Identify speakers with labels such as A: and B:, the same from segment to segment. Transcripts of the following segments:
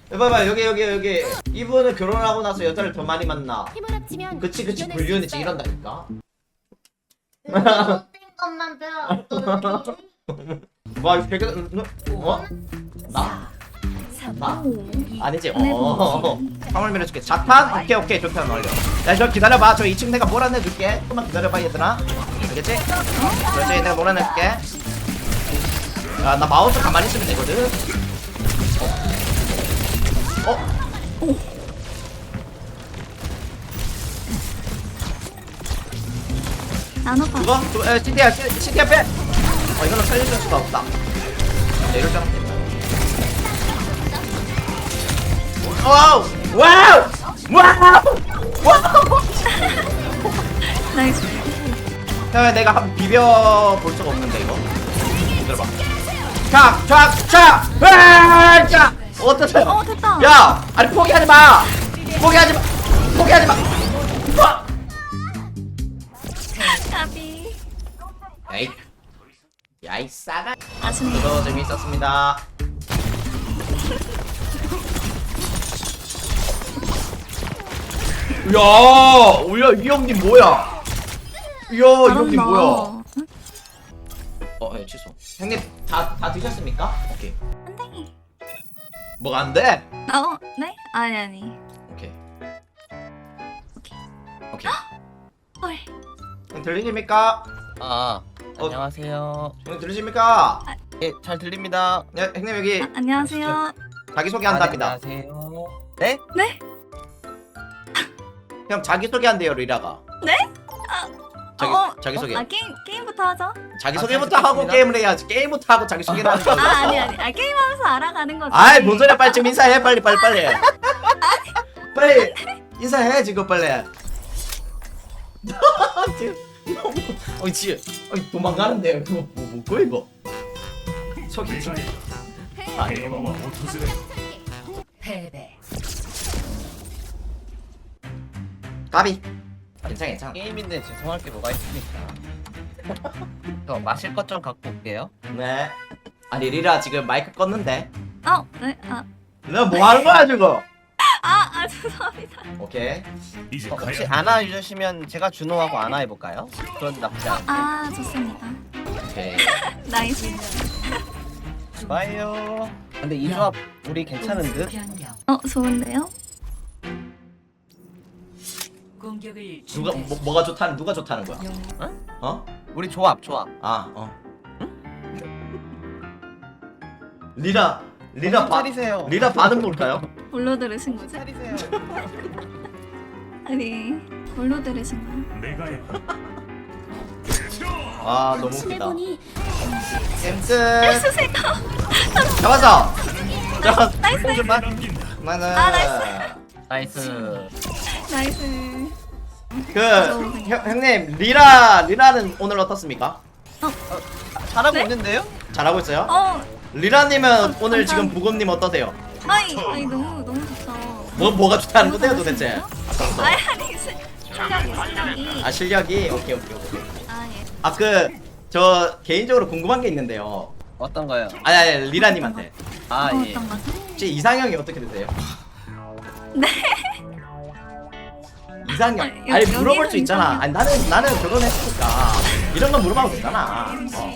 A: 봐봐 여기 이분은 결혼하고 나서 여자를 더 많이 만나.
B: 힘을 합치면
A: 그치 불륜이지 이런다니까.
B: 못된 것만 배워.
A: 와 이거 되게 어? 나? 나? 아니지 화물 밀어줄게. 자탄? 오케이 좋다 완료. 야 저 기다려봐. 저 2층 내가 몰아내줄게. 조금만 기다려봐 얘들아. 알겠지? 그렇지 내가 몰아내줄게. 야 나 마우스 가만히 있으면 되거든.
C: 나눠봐.
A: 그거? CT 앞에! 이거는 살려줄 수가 없다. 이럴 줄 알았네. 와우!
C: 나이스.
A: 형 내가 한번 비벼볼 수가 없는데 이거. 들어봐. 자! 어떠세요?
C: 됐다.
A: 야! 아니 포기하지 마!
C: 까비.
A: 에이. 야이 싸가.
C: 아쉽네.
A: 저도 재미있었습니다. 야, 이 형님 뭐야? 이 형님 뭐야? 취소. 형님 다 드셨습니까? 오케이.
C: 안 돼.
A: 뭐가 안 돼?
C: 네? 아니.
A: 오케이.
C: 헐.
A: 형 들리십니까?
D: 안녕하세요.
A: 형 들리십니까?
D: 예, 잘 들립니다.
A: 네, 형님 여기
C: 안녕하세요.
A: 자기 소개한답니다.
D: 안녕하세요. 네?
C: 네?
A: 형 자기 소개한대요 리라가.
C: 네?
A: 자기 소개.
C: 게임부터 하죠.
A: 자기 소개부터 하고
D: 듣겠습니다.
A: 게임을 해야지. 게임부터 하고 자기 소개를 하는 거.
C: 아니. 게임하면서 알아가는 거지.
A: 아이 뭔 소리야. 빨리 좀 인사해. 빨리. 빨리 인사해 지금 빨리. 지금 도망가는데 그거 뭐고 이거? 저기 이거
B: 패배.
A: 까비. 괜찮아.
D: 게임인데 죄송할 게 뭐가 있습니까? 저 마실 것 좀 갖고 올게요.
A: 네. 아니 리라 지금 마이크 껐는데.
C: 네.
A: 너 뭐 하는 거야 지금?
C: 죄송합니다.
A: 오케이.
D: 혹시 안아 주시면 제가 준호하고 안아 해볼까요? 그건 나쁘지 않아요.
C: 좋습니다.
A: 오케이.
C: 나이스.
D: 좋아요. 근데 이 조합 우리 괜찮은 듯?
C: 좋은데요?
B: 공격을
A: 뭐가 좋다는 누가 좋다는 거야?
D: 우리 조합.
A: 리라
D: 차리세요.
A: 리라 반응 볼까요?
C: 뭘로 들으신 거지?
D: 차리세요.
C: 아니, 뭘로 들으신 거예요?
A: 너무 웃기다.
B: 해보니
A: 잼스
C: 쓰세요.
A: 잡았어.
C: 나이스.
D: 나이스.
C: 나이스.
A: 형님 리라는 오늘 어떻습니까?
D: 잘하고
C: 네?
D: 있는데요?
A: 잘하고 있어요? 리라님은 오늘 지금 부검님 어떠세요?
C: 아니 너무 좋다.
A: 뭐가 좋다는 건데요 도대체?
C: 실력이.
A: 실력이? 오케이.
C: 예.
A: 저 개인적으로 궁금한 게 있는데요.
D: 어떤 거요?
A: 아니 리라님한테
D: 예.
C: 어떤 거죠?
A: 혹시 이상형이 어떻게 되세요?
C: 네.
A: 이상형?
C: 아니,
A: 아니
C: 여기는
A: 물어볼 수 있잖아.
C: 이상형.
A: 아니 나는 결혼했으니까 이런 거 물어봐도 되잖아.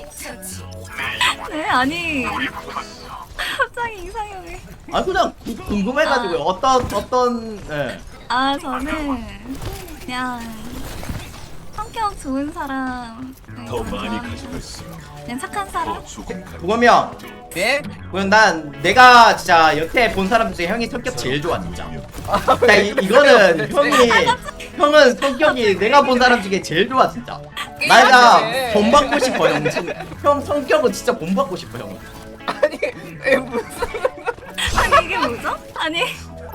C: 네, 아니. 갑자기 이상형이.
A: 그냥 궁금해가지고 어떤
C: 저는 그냥 성격 좋은 사람. 더 많이 가지고 있어. 그냥 착한 사람.
A: 부검이 형.
D: 예?
A: 그럼 난 내가 진짜 여태 본 사람 중에 형이 성격 제일 좋아 진짜. 야, 이거는 형은 성격이 내가 본 사람 중에 제일 좋아 진짜. 내가 본받고 싶어 형. 형 성격은 진짜 본받고 싶어 형.
D: 아니, 무슨
C: 아니 이게 뭐죠? 아니.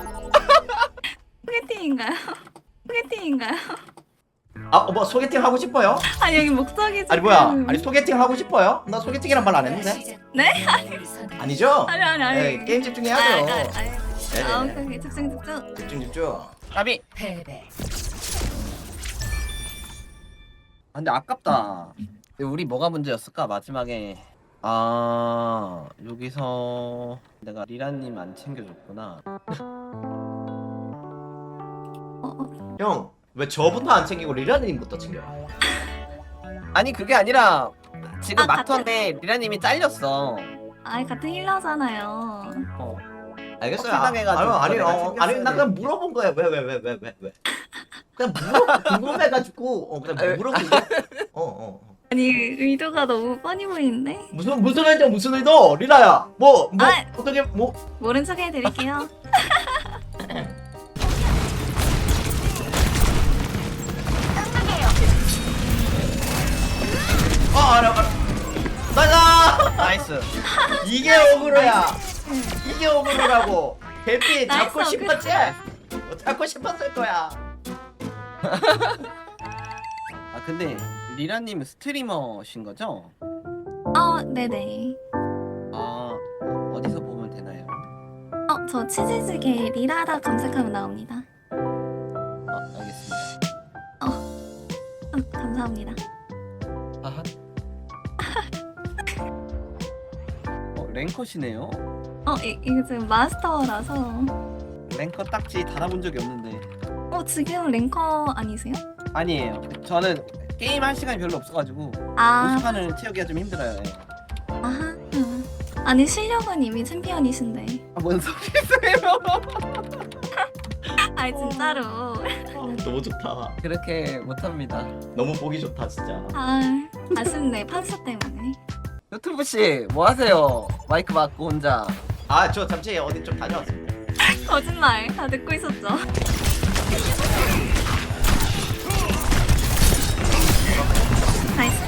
C: 소개팅인가요?
A: 뭐 소개팅 하고 싶어요?
C: 아니 여기 목적이 지금.
A: 아니 뭐야? 아니 소개팅 하고 싶어요? 나 소개팅이란 말 안 했는데.
C: 네?
A: 아니죠?
C: 아니.
A: 에이, 게임 집중해야죠.
C: 오케이. 집중.
A: 집중.
D: 까비.
B: 패배.
D: 근데 아깝다. 근데 우리 뭐가 문제였을까 마지막에. 아 여기서 내가 리라님 안 챙겨줬구나.
A: 형 왜 저부터 안 챙기고 리라님부터 챙겨?
D: 아니 그게 아니라 지금
C: 아,
D: 마턴데 리라님이 잘렸어.
C: 아 같은 힐러잖아요.
A: 알겠어요.
D: 확실당해가지고
A: 아니
D: 내가
A: 아니 나
D: 챙겼어야
A: 그냥 물어본 거야. 왜? 그냥 궁금해가지고 그냥 물어본 거야.
C: 아니 의도가 너무 뻔히 보이는데.
A: 무슨 의도 무슨 의도? 리라야 뭐
C: 아.
A: 어떻게 뭐
C: 모른 척 해드릴게요.
A: 알아. 나가.
D: 나이스.
A: 이게 어그로야. 이게 어그로라고. 대피 잡고
C: 나이스,
A: 싶었지? 잡고 싶었을 거야.
D: 아 근데 리라님 스트리머신 거죠?
C: 네네.
D: 아 어디서 보면 되나요?
C: 저 치즈즈게 리라라 검색하면 나옵니다.
D: 알겠습니다.
C: 감사합니다.
D: 아하. 랭커시네요.
C: 이거 지금 마스터라서.
D: 랭커 딱지 달아본 적이 없는데.
C: 지금 랭커 아니세요?
D: 아니에요. 저는 게임 할 시간이 별로 없어가지고
C: 아,
D: 50판을 채우기가 좀 힘들어요. 예.
C: 아하. 아니 실력은 이미 챔피언이신데.
D: 뭔 소리세요?
C: 아니 진짜로.
A: 너무 좋다.
D: 그렇게 못합니다.
A: 너무 보기 좋다 진짜.
C: 아쉽네 판수 때문에.
D: 유튜브 씨 뭐 하세요? 마이크 막고 혼자.
A: 저 잠시 어디 좀 다녀왔습니다.
C: 거짓말 다 듣고 있었죠. 나이스.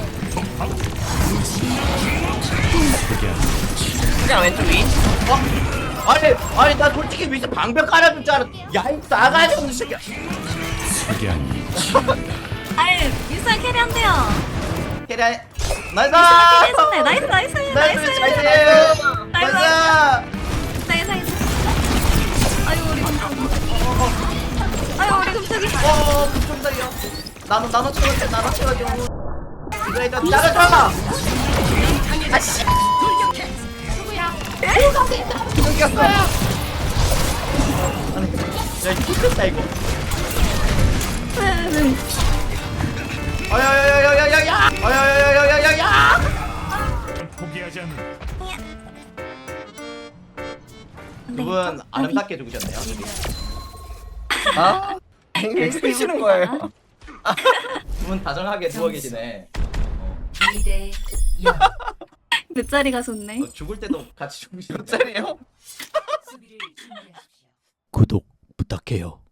D: 그냥 왼쪽 위.
A: 아니 나 솔직히 위에서 방벽 깔아줄 줄 알았. 야이 나가야 없는 새끼야.
C: 아니 유사 캐리 한대요.
A: 캐리야. 나이스.
C: 유사 캐리 해준대. 나이스. 나이스. 아유 우리 금쪽이.
A: 그쪽 달려. 나눠 채워줘. 이거 일단 나가자. 아씨.
D: 끊겼어.
A: 아니, 야 이거 힘들다 이거. 야야야야야야야.
E: 포기하지 않는
A: 두 분 아름답게 죽으셨네요.
D: 아? 왜 쓰시는 거예요?
A: 두 분 다정하게 누워 계시네.
B: 2대
C: 몇 자리가 좋네.
A: 죽을 때도 같이 죽으시는.
D: 몇 자리예요?
B: 수비를 준비하십시오.
E: 구독 부탁해요.